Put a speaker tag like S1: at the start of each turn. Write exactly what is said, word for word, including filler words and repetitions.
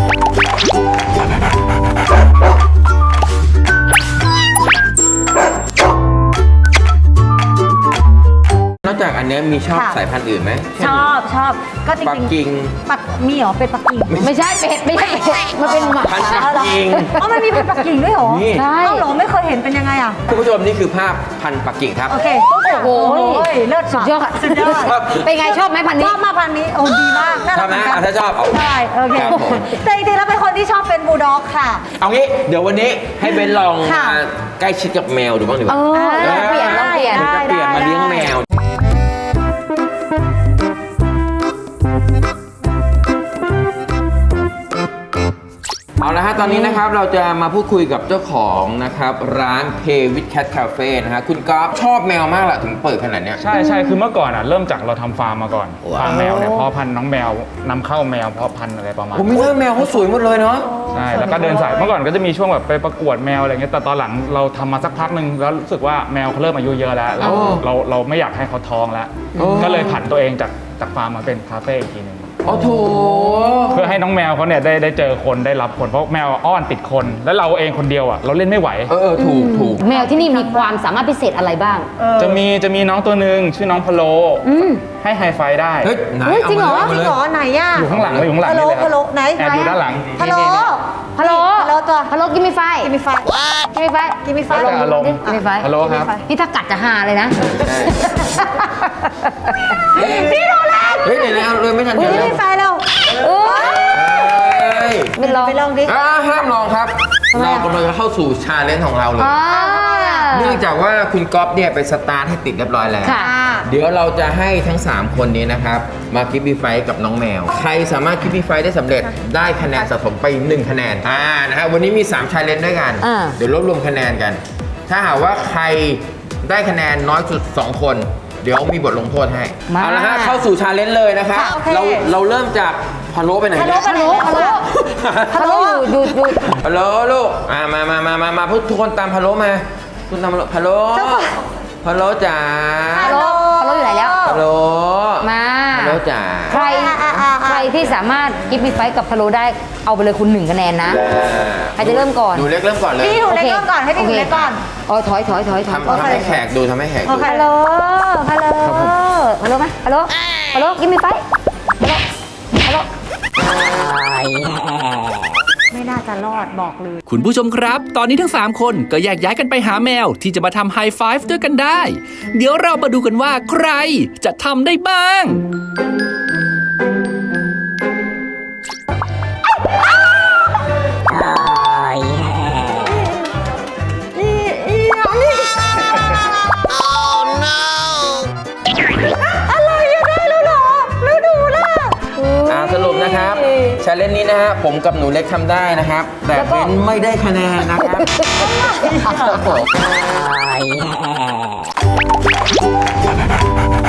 S1: นอกจากอันนี้มีชอบสายพันธุ์อื่นไหม
S2: ชอบชอบก็จริงๆ
S1: ปักกิ่ง
S2: ปักมีเหรอเป็นปักกิ่ง
S3: ไม่ใช่เป็ดไม่ใช่เป็ดมันเป็นหมา
S1: พันธุ์ปักกิ่ง
S2: อ๋อมันมีพันธุ์ปักกิ่งด้วยเหรอ
S3: ใช่
S2: เอ้าเหรอไม่เคยเห็นเป็นยังไงอ่ะ
S1: คุณผู้ชมนี่คือภาพพันธุ์ปักกิ่งครับ
S2: โอเคโอ้โหเลิศ
S3: สุดยอด
S2: สุดยอด
S3: เป็นไงชอบไหมพัน
S2: ช
S3: นี้
S2: อบมากพันนี้โอ้ดีมากน่า
S1: ช
S2: รั
S1: อก บ
S2: เหมื
S1: นะ
S2: อนกัน
S1: อ่ะถ้าชอบเอา
S2: ใช่โอเค
S1: ครับผม
S2: แต่จริงๆแล้วเป็นคนที่ชอบเป็นบูลด็อกค่ะ
S1: เอางี้เดี๋ยววันนี้ให้เบนลอง
S2: ค่ะ
S1: มาใกล้ชิดกับแมวดูบ้างดีก
S3: เอ
S1: ว่า
S3: อลองเปลี่ยนลองเปลี่ยน
S2: ได้
S1: จะเปลี่ยนมาเลี้ยงแมวเอาละฮะตอนนี้นะครับเราจะมาพูดคุยกับเจ้าของนะครับร้าน Play with Cat Cafe นะฮะคุณก๊อฟชอบแมวมากแหละถึงเปิดขนาดเนี้ย
S4: ใช่ใช่คือเมื่อก่อนอ่ะเริ่มจากเราทำฟาร์มมาก่อน
S1: ว้าว
S4: ฟาร์มแมวเนี่ยเพาะพันธุ์น้องแมวนำเข้าแมวเพาะพันธุ์อะไรประมาณ
S1: ผมไม่เลือกแมวเขาสวยหมดเลยเนาะ
S4: ใช่แล้วก็เดินสายเมื่อก่อนก็จะมีช่วงแบบไปประกวดแมวอะไรเงี้ยแต่ตอนหลังเราทำมาสักพักหนึ่งแล้วรู้สึกว่าแมวเขาเริ่มอายุเยอะแล้วแล้ว
S1: โอ้
S4: เราเราไม่อยากให้เขาท้องแล้ว
S1: โอ้
S4: ก็เลยผันตัวเองจากจากฟาร์มมาเป็นคาเฟ่อีกทีหนึง
S1: โอ้โถ
S4: เพื่อให้น้องแมวเขาเนี่ยได้ได้เจอคนได้รับคนเพราะแมวอ้อนติดคนแล้วเราเองคนเดียวอ่ะเราเล่นไม่ไหว
S1: เออเออถูกถูก
S3: แมวที่นี่มีความสามารถพิเศษอะไรบ้าง
S4: จะมีจะมีน้องตัวหนึ่งชื่อน้องพะโล
S3: อืม
S4: ให้ไฮไฟได้
S1: เฮ้ยไหน
S3: เฮ้ย
S1: เอา
S3: จริงเหรอ
S1: มา
S2: จริ
S1: เลย
S2: งเหรอไหนอ่ะ
S4: อยู่ข้างหลังเลยอยู่ข้างหลัง
S2: ฮัลโหล
S4: นี่เลยค
S2: ฮั
S4: รั
S2: ลโหลไหน
S4: แอบอยู่ด้านหลัง
S2: ฮัลโหล
S4: นี่นี่
S3: ฮัลโหล
S2: ฮัลโหลตัว
S3: ฮัลโหลกินมีไฟ
S2: กินมีไฟ
S3: กินมีไฟ
S2: กินมีไฟ
S4: แล้วแต่อารมณ์
S3: กินมีไฟ
S4: ฮัลโหลครับ
S3: นี่ถ้ากัดจะหาเลยนะ
S2: พี่ดูแล
S1: เฮ้ยเดี๋ยวนะเอาเลยไม่ทัน
S2: กิ
S1: เดี๋ยวน เร็ว
S2: มีไฟแล้ว
S3: เออ
S1: เฮ้ย
S3: เป็นลอง
S2: ไปลองดิ
S1: อ่าห้ามลองครับ เรากำลังจะเข้าสู่ชาเลนจ์ของเราเลย
S3: อ่า
S1: เนื่องจากว่าคุณก๊อฟเนี่ยไปสตาร์ทให้ติดเรียบร้อยแล้ว
S3: ค่ะ
S1: เดี๋ยวเราจะให้ทั้ง สาม คนนี้นะครับ มาคิปปี้ไฟท์กับน้องแมว ใครสามารถคิปปี้ไฟท์ได้สำเร็จได้คะแนนสะสมไป หนึ่ง คะแนน อ่า นะฮะวันนี้มี3ชาเลนจ์ด้วยกัน
S3: อ่า
S1: เดี๋ยวรวบรวมคะแนนกัน ถ้าหากว่าใครได้คะแนนน้อยสุด สอง คน เดี๋ยวมีบทลงโทษให้
S3: มา
S1: เอาละฮะเข้าสู่ชาเลนจ์เลยนะครับ
S2: ค่ะโอเค
S1: เราเราเริ่มจากพะโล้ไปไหน
S2: ฮัลโหล
S1: เนี่ย
S2: ไปไหน
S3: ฮัลโหล ฮัลโหลอยู่อยู่อยู่
S1: พะโล้ลูกอ่ามามามามามาทุกคนตามพะโล้มาคุณตามพะโล้พะโล้จ๋า
S3: ฮัลโหลฮัลโหลอยู่ไหนแล้ว
S1: พะโล้
S3: มา
S1: พะโล้จ๋า
S3: ใครใครที่สามารถกิฟต์มีไฟท์กับพะโล้ได้เอาไปเลยคุณหนึ่งคะแนนนะ ใครจะเริ่มก่อน
S1: หนูเล็กเริ่มก่อนเลย
S2: พี่หนูเล็ก
S3: โอเค
S2: เริ่มก่อนให้พี่หนู
S3: โอเค
S2: เล็กก่อน
S3: อ๋อถอยถอยถอยถอย
S1: ทำทำให้แขกดูทำให้แขก
S2: โอ
S1: ดู
S2: เค
S3: ฮัลโหลฮัลโหลฮัลโหลไหมฮัลโหลฮัลโหลกิฟต์มีไฟท์ฮัลโหลฮัลโหล
S2: ไม่น่าจะรอดบอกเลย
S5: คุณผู้ชมครับ ตอนนี้ทั้ง สาม คนก็แยกย้ายกันไปหาแมวที่จะมาทำไฮไฟฟ์ด้วยกันได้ เดี๋ยวเรามาดูกันว่าใครจะทำได้บ้าง
S2: อะไรอะได้แล้วเหรอแล้วดูล่ะ
S1: อ่าสรุปนะครับชาเลนจ์นี้นะฮะผมกับหนูเล็กทำได้นะครับ แต่เบนไม่ได้คะแนนนะครับครับผม